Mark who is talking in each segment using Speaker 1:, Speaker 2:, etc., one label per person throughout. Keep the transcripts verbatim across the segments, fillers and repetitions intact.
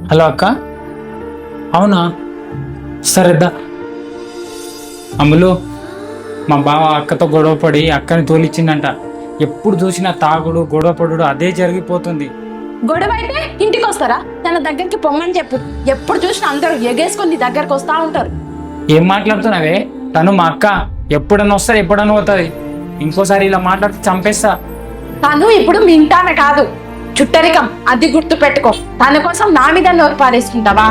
Speaker 1: Hello అక్క. అవునా, సరేద్దా. అమ్ములు, మా బావ అక్కతో గొడవపడి అక్కని తోలిచ్చిందంట. ఎప్పుడు చూసినా తాగుడు గొడవపడు అదే జరిగిపోతుంది.
Speaker 2: గొడవ అయితే ఇంటికి వస్తారా? తన దగ్గరికి పొమ్మని చెప్పు. ఎప్పుడు చూసినా అందరూ ఎగేసుకొని నీ దగ్గరకు వస్తా ఉంటారు.
Speaker 1: ఏం మాట్లాడుతున్నావే? తను మా అక్క. ఎప్పుడన్నా వస్తారు, ఎప్పుడన్నా పోతుంది. ఇంకోసారి ఇలా మాట్లాడితే చంపేస్తా.
Speaker 2: తను ఇప్పుడు మీ ఇంటామె కాదు, చుట్టరికం. అది గుర్తు పెట్టుకో. తన కోసం నా మీద నోరు పారేసుకుంటావా?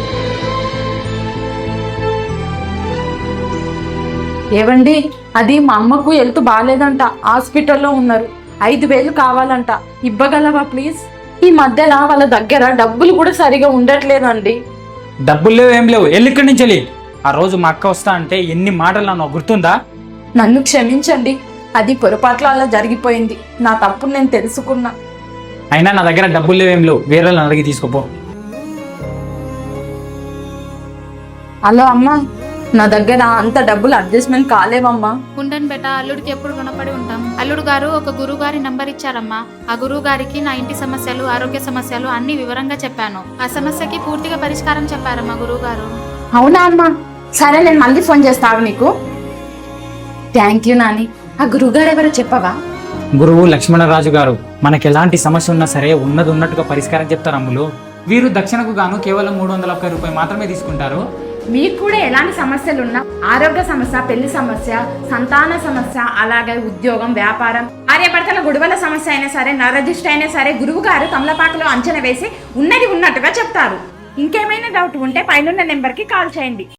Speaker 2: ఏవండి, అది మా అమ్మకు హెల్త్ బాగాలేదంట, హాస్పిటల్లో ఉన్నారు. ఐదు వేలు కావాలంట, ఇవ్వగలవా ప్లీజ్? ఈ మధ్యన వాళ్ళ దగ్గర డబ్బులు కూడా సరిగా ఉండట్లేదండి.
Speaker 1: డబ్బులు లేవు, ఏం లేవు. వెళ్ళి ఇక్కడి నుంచి వెళ్ళి. ఆ రోజు మా అక్క వస్తా అంటే ఎన్ని మాటలు నాకు గుర్తుందా?
Speaker 2: నన్ను క్షమించండి, అది పొరపాట్ల అలా జరిగిపోయింది. నా తప్పు నేను తెలుసుకున్నా.
Speaker 1: అయినా నా దగ్గర డబ్బులు లేవేం లేవు, వేరే వాళ్ళని అడిగి తీసుకోపో.
Speaker 2: హలో అమ్మా, నా దగ్గర అంత డబ్బులు అడ్జస్ట్మెంట్ కాలేవమ్మా.
Speaker 3: ఉండను బేటా, అల్లుడికి ఎప్పుడు రుణపడి ఉంటాం. అల్లుడు గారు ఒక గురువు గారి నంబర్ ఇచ్చారమ్మా. ఆ గురువు గారికి నా ఇంటి సమస్యలు, ఆరోగ్య సమస్యలు అన్ని వివరంగా చెప్పాను. ఆ సమస్యకి పూర్తిగా పరిష్కారం చెప్పారమ్మా గురువు గారు.
Speaker 2: అవునా అమ్మా? సరే, నేను మళ్ళీ ఫోన్ చేస్తాను నీకు. Thank you Nani. ఆ గురువు గారు ఎవరో చెప్పవా?
Speaker 1: గురువు లక్ష్మణరాజు గారు. మనకి ఎలాంటి సమస్య ఉన్నా సరే ఉన్నది ఉన్నట్టుగా పరిష్కారం చెప్తారు అమ్ములు. వీరు దక్షిణకు గాను కేవలం మూడు వందల ఒక్క రూపాయలు మాత్రమే తీసుకుంటారు.
Speaker 2: మీకు కూడా ఎలాంటి సమస్యలు ఉన్నా, ఆరోగ్య సమస్య, పెళ్లి సమస్య, సంతాన సమస్య, అలాగే ఉద్యోగం, వ్యాపారం, ఆర్యభర్తల గొడవల సమస్య అయినా సరే, నరదిష్టి అయినా సరే, గురువు గారు తమలపాకులో అంచనా వేసి ఉన్నది ఉన్నట్టుగా చెప్తారు. ఇంకేమైనా డౌట్ ఉంటే పైన నెంబర్కి కాల్ చేయండి.